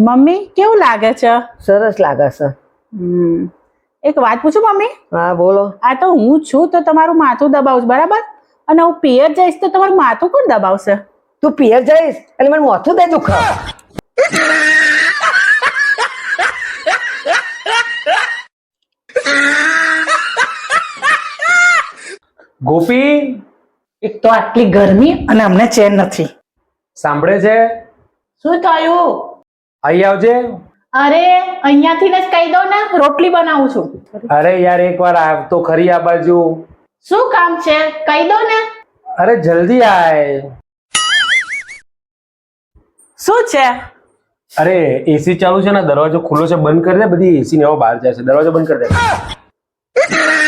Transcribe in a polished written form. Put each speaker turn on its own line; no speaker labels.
Mummy કેવું લાગે છે?
સરસ લાગે છે.
એક વાત પૂછું મમ્મી?
હા બોલો.
આ તો હું છું તો તમારું માથું દબાવશ બરાબર, અને હું પિયર જઈશ તો તમારું માથું કોણ દબાવશે?
તું પિયર જઈશ એટલે મને માથું દે દુખ.
ગોપી,
એક તો આટલી ગરમી અને અમને ચેન નથી.
સાંભળે છે?
શું થયું?
અહીં આવજે.
અરે અહીંયાથી જ કહી દો ને, રોટલી બનાવું છું.
અરે યાર એકવાર આવ તો ખરી આ બાજુ.
શું કામ છે કહી દો ને.
અરે જલ્દી આય.
શું છે?
અરે એસી ચાલુ છે ને, દરવાજો ખુલ્લો છે, બંધ કરી દે. બધી એસી ને એવો બહાર જાય છે, દરવાજો બંધ કરી દે.